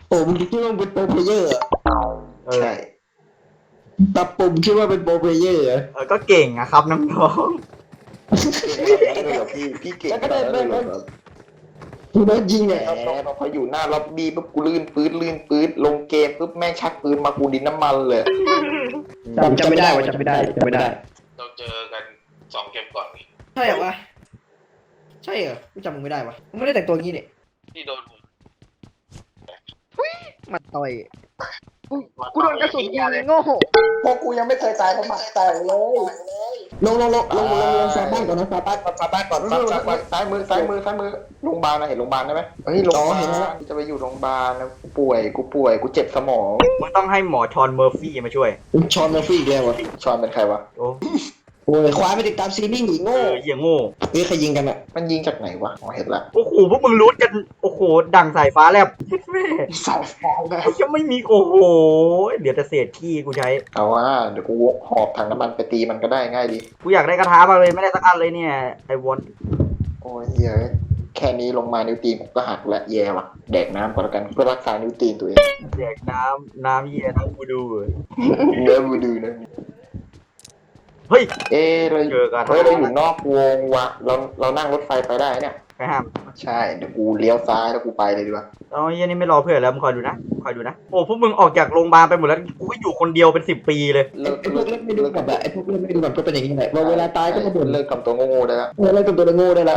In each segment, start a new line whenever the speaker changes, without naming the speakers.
โอ้มึงคิดว่ามึงเป็นโปรเพลเยอร์เหรอ
ใช่
ตับปุ่มคิดว่าเป็นโปรเพลเยอร์เหรอ
ก็เก่งอะครับน้อง
พี่เก่ง
แล้วก็
ข
ได้
นาด
ได้
นั้นเลยเหรอ
มึงได้ยิง
แหม
เนี่ย
พออยู่หน้าล็อบบี้ปุ๊บกูลื่นปื๊ดลงเกมปุ๊บแม่งชักปืนมากูดินน้ำมันเลย
จำไม่ได้จำไม่ได้
เราเจอกัน2 เกมก่อนนี่
ใช่เหรอวะใช่เหรอกูจำมึงไม่ได้วะมึงไม่ได้แต่งตัวงี้เนี่ย
ที่โดนผม
มาต่อย
กูโดนกระสุนยิงโง่
พวกกูยังไม่เคยตายเพราะหมัดแตกเลย
ลงซาบ้านก่อนนะซาบ้านก่อน
ซ้ายมือโรงพยาบาลนะเห็นโรงพยาบาลได้ไหมเฮ้ยโรงพยาบาลจะไปอยู่โรงพยาบาลนะกูป่วยกูเจ็บสมอง
มึงต้องให้หมอชอนเมอร์ฟี่มาช่วย
ชอนเมอร์ฟี่แกวะ
ชอนเป็นใครวะ
โอ้
โอ้ยควายไปติดตามซีรีส์หนีโง่
เหี้ยโง่
เฮ้ยใครยิงกันอ่ะ
มันยิงจากไหนวะอ๋อเห็นละ
โอ้โหพวกมึงรู้กันโอ้โหดังสายฟ้าแลบแม่
สายฟองเลย
ยังไม่มีโอ้โหเดี๋ยวจะเศษขี้กูใช้
เอาว่าเดี๋ยวกูหอบถังน้ำมันไปตีมันก็ได้ง่ายดี
กูอยากได้กระทะมากเลยไม่ได้สักอันเลยเนี่ยไอวอน
โอ้ยเหี้ยแค่นี้ลงมานิ้วตีนผมก็หักละแย่ว่ะแดกน้ำก่อนแล้วกันเพื่อรักษานิ้วตีนตัวเอง
แดกน้ำเหี้ยน้ำกูดู
เนื้อบูดูนะ
เฮ้ย
เรา
เจอกัน
เราอยู่นอกวงวะเรานั่งรถไฟไปได้เนี่ย
ไปห้าม
ใช่เดี๋ยวกูเลี้ยวซ้ายแล้วกูไปเลยดีกว่า
เอาเหี้ยนี่ไม่รอเพื่อนแล้วมึงคอยดูนะโอ้พวกมึงออกจากโรงพยาบาลไปหมดแล้วกูก็อยู่คนเดียวเป็น10 ปีเลย
ไอ้พวกเล่นไม่ดูกับไอ้พวกเล่นไม่ดูกับก็เป็นอย่างนี้แหละเวลาตายก็มาบ่น
เลิกกับตัวโง่ๆได้แล้ว
เล่นกับตัวโง่ได้แล้ว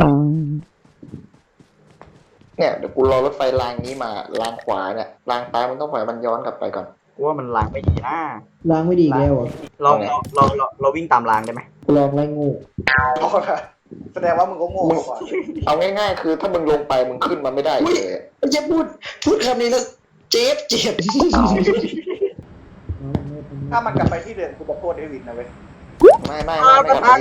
เนี่ยเดี๋ยวกูรอรถไฟรางนี้มารางขวาเนี่ยรางซ้ายมันต้องปล่อยมันย้อนกลับไปก่อน
กูว่ามันล้างไม่ดีนะ
ล้างไม่ดีแล้วอ่ะ
เราวิ่งตามรางได้ไหม
ลองไล่งู
แสดงว่ามึงก็โง่ก่อนเอาง่ายๆคือถ้ามึงลงไปมึงขึ้นมาไม่ได้เลย
จะพูดคำนี้แล้วเจ็บ
ถ้ามันกลับไปที่เดิมกูจะโทษเดวิดนะเว้ย
ไม่
กระทะ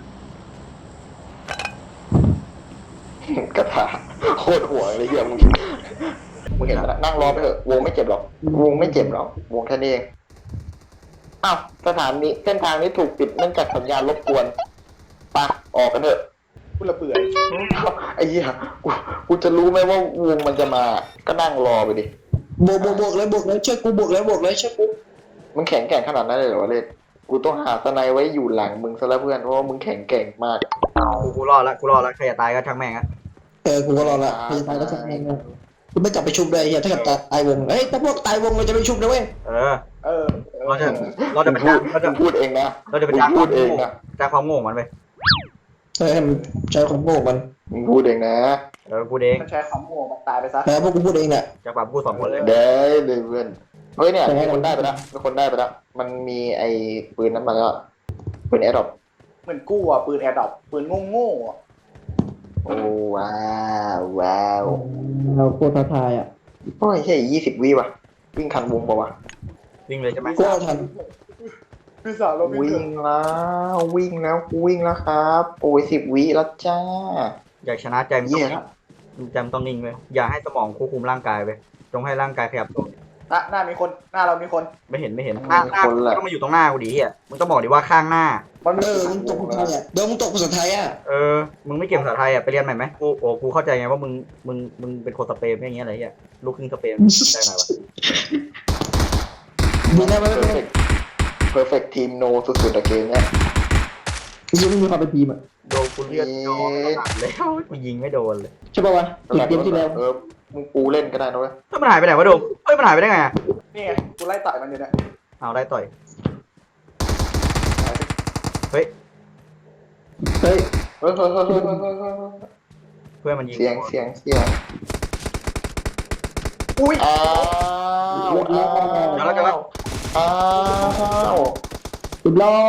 กระถาโคตรหัวเลยเหี้ยมึงเห็นแล้วนั่งรอไปเถอะวงไม่เจ็บหรอกวงไม่เจ็บหรอกวงแค่นี้เองอ้าวสถานีเส้นทางนี้ถูกปิดเนื่องจากสัญญาณรบกวนปะออกกันเถอะ
กูระเบื่อ
ไอ้เหี้ยกูจะรู้ไหมว่าวงมันจะมาก็นั่งรอไปดิ
บวกแล้วช่วยกูบวกแล้วช่วยกู
มึงแข็งแกร่งขนาดนั้นเลยเหรอวะเล่นกูต้องหาสไนไว้อยู่หลังมึงซะแล้วเพื่อนเพราะว่ามึงแข็งแกร่งมาก
กูรอดละใครจะตายก็ช่างแม่งอะ
กูก็รอละพยาบาลก็ช่างแม่งนะกูไม่กลับไปชุบเลยเฮียถ้าเกิดตายวงถ้าพวกตายวงเราจะไปชุบนะเว้ย
เออ
เออ
เราจะไปจ้าง
พูดเองนะ
เราจะไปจ้าง
พูดเองนะ
ความโง่มันไป
ให้มันใช้ความโง่มัน
มึงพูดเองนะ
กูเอง
มันใช้คำโง่มันตายไปซะ
พวกกูพูดเองเนี่ย
จากปากกู2 คนเลย
ได้เลยเพื่อนเฮ้ยเนี่ยมีคนได้ไปแล้วมันมีไอ้ปืนนั้นมาแล้วปืนแอร์ดรอป
เหมือนกู้อ่ะปืนแอร์ดรอปปืนโง่ๆอ่ะ
โอ้ว้าว
เราโคตรท้าทายอ่ะ
โอ้ยใช่20 วิว่ะวิ่งทันวงปะวะ
วิ่งเลยใช่ไหม
กูเอาทัน
พี่สาวเราไม่
วิ่งแล้วครับโอ้ย10 วิแล้วจ้า
อยากชนะใจมันต้องนิ่งเลยอย่าให้สมองควบคุมร่างกายไปจงให้ร่างกายขยับตัว
หน้ามีคนหน้าเรามีคน
ไม่เห็นหน้าต้องมาอยู่ตรงหน้ากูดิอ่ะมึงต้องบอกดิว่าข้างหน้า
มันมี
มึงตกภาษาไทยอ่ะมึงตกภาษาไทยอ่ะ
มึงไม่เก่งภาษาไทยอ่ะไปเรียนใหม่ไหมกูเข้าใจไงว่ามึงเป็นคนสเปนอย่างเงี้ยอะไรเงี้ยลูกครึ่งสเปนได้ไหมวะ
มึงได้ไหม
perfect team no สุดๆอะเกมเนี้ย
ยังไม่มีความเป็นทีมอ่ะ
โดนกูเลือดโดนแล้วกูยิงไม่โดนเลย
ใช่ป่าวะจุดเกมที่แล้ว
มึงปูเล่นก็ได้นะเว้ย
ถ้ามันหายไปไหนวะโดมมันหายไปได้ไง
นี่ไงกูไล่ต่อยมันอยู่เนี่ย
เอาได้ต่อย
เฮ้ย
เพื่
อนมันยิง
เสียงอุ้ยอ้าว
สุดยอ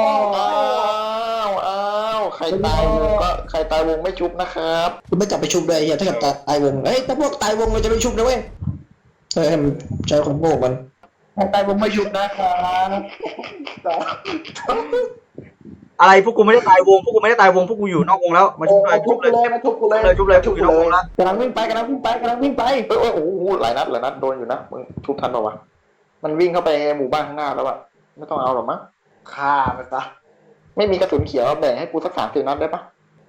ด
ใครตายวงไม่ชุบนะครับ
กูไม่กลับไปชุบเลยเฮียถ้าเกิดตายวงถ้าพวกตายวงเราจะไปชุบนะเว้ยให้มันใช้ความโง่มันตายวงไม่ชุบนะครับ
อะไรพวกกูไม่ได้ตายวงพวกกูอยู่นอกวงแล้วมาชุบเลย
ทุบเลยมาทุบกูเลย
ชุบเลยอยู่นอกวงแล้ว
กำลังวิ่งไป
โอ้โหหลายนัดโดนอยู่นะมึงชุบทันป่าวะมันวิ่งเข้าไปหมู่บ้านข้างหน้าแล้วอะไม่ต้องเอาหรอกมั้ง
ฆ่ามันซะ
ไม่มีกระสุนเขียวแบ่งให้กูสัก30 นัดได้ปะ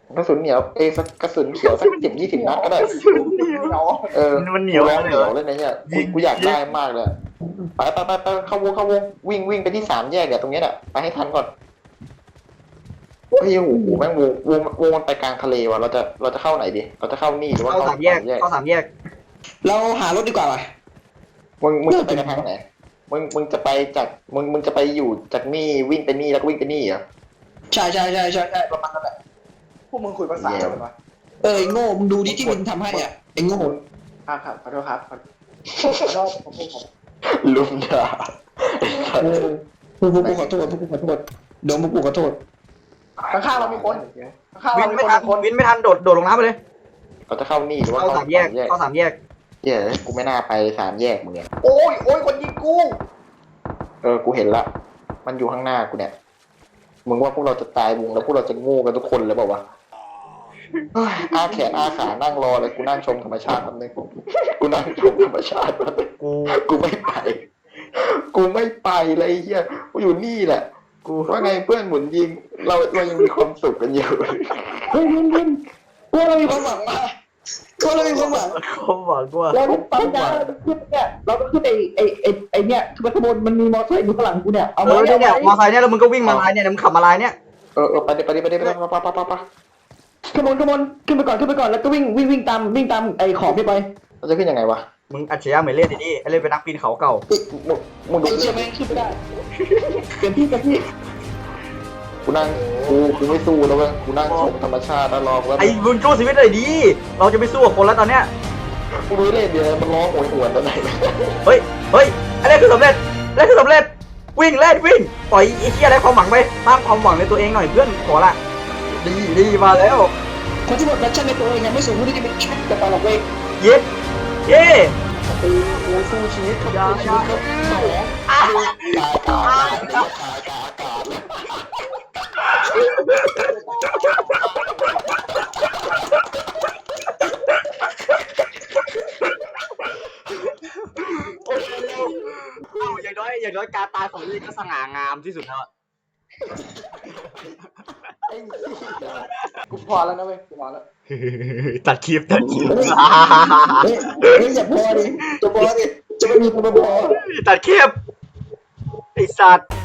กระสุนเหนียวสักกระสุนเขียวสัก10-20 นัดก็ได้
เนาะ
มันเหนียว
เห
เล
นี
ย
ยวเลยนะเนี่ยกูอยากได้มากเลยไปเข้าวงวิ่งไปที่3 แยกเนี่ยตรงนี้แหละไปให้ทันก่อนเฮ้ยโอ้โหแม่งวงมันไปกลางทะเลว่ะเราจะเข้าไหนดีเราจะเข้านี่หรือว่า
เข้า
เข้า
สามแยกเข้าสามแยก
เราหารถดีกว่าว่ะ
มึงจะไปทางไหนมึงจะไปจากมึงจะไปอยู่จากนี่วิ่งไปนี่แล้วก็วิ่งไปนี่เหรอ
ใช่ประมาณนั้นแหละ
พวกมึงคุยภาษาอะไรกันวะ
ไอ้โง่มึงดูดิที่มันทำให้อ่ะไอ้โง่
ครับขอโทษครับขอโทษผม
ลุมด่า
พวกกูขอโทษเดี๋ยวพวกกูขอโทษ
ข้างๆเรามีคนข้างๆ
วิ
เรา
น
มี
ไม่
คน
ทัน
คน
วินไม่ทันโดดลงน้ำไปเลย
เราจะเข้านี่หรือว่า
เข้าสามแยกเข้าสามแยก
เย้กูไม่น่าไป3 แยกมึงเนี่ย
โอ้ยคนยิงกู
กูเห็นละมันอยู่ข้างหน้ากูเนี่ยมึงว่าพวกเราจะตายวงแล้วพวกเราจะโง่กันทุกคนเลยเปล่าวะอาแขนอาขานั่งรอเลยกูนั่งชมธรรมชาติแป๊บนึงกูนั่งชมธรรมชาติแป๊บนึง กูไม่ไปเลยไอ้เฮียกูอยู่นี่แหละกูว่าไงเพื่อนหมุนยิงเรายังมีความสุขกันอยู่
เฮ้ยวินพวกเรามีความหวังมาพวกเรามีความหวัง
เขาบอกว่า
เราต้องการขึ้นเนี่ยเราต้องขึ้นไอ้เนี่ยคือขบวนมันมีมอเตอร์ไซค์อยู่ข้างหลังกูเนี่ยเอา
เอ
มา
อเนี่ยมอไซค์เนี่ยแล้วมึงก็วิ่งมาลายเนี่ยมึงขับมาลายเนี่ย
ไปดิไป
ขบวนขึ้นไปก่อนแล้วก็วิ่งตามไอ้ขอบนี่ไป
เราจะขึ้นยังไงวะ
มึงอัจฉริยะเหมือนเล่นดิไอ้เล่นเป็นนักปีนเขาเก่า
มึงดู
ไอ้เชี่ยแม่งขึ้นไม่ได้เปลี่ยนที่กันที่
กูนั่งกูไม่สู้แล้วเว้ยกูนั่งชมธรรมชาติแล้วรอว่า
ไอ้มึงสู้ชีวิตเลยดิเราจะไปสู้กับคนแล้วตอนเนี้ย
กูรู้เล่นเดียวมันร้องโหยหวนตอนไหน
เฮ้ยอันนี้คือสำเร็จวิ่งเล่นวิ่งปล่อยไอ้เหี้ยอะไรความหวังไปสร้างความหวังในตัวเองหน่อยเพื่อนขอละดีมาแล้ว
คนที่หมดแพชชั่นในตัวเองยังไม่สูงที่จะเป็นแค่แต่ตลกเว้ย
เย้
กูสู้ชีวิตครับสู้ชีวิตครับ
อย่างน้อยการตายของนี่ก็สง่างามที่สุดแล้ว
กูพอแล้วนะเว้ยกูพอแล้ว
ตัดคลิป
เฮ้ยอย่าพอดิจะไม่มีคนมาพอ
ตัดคลิปไอ้สัตว์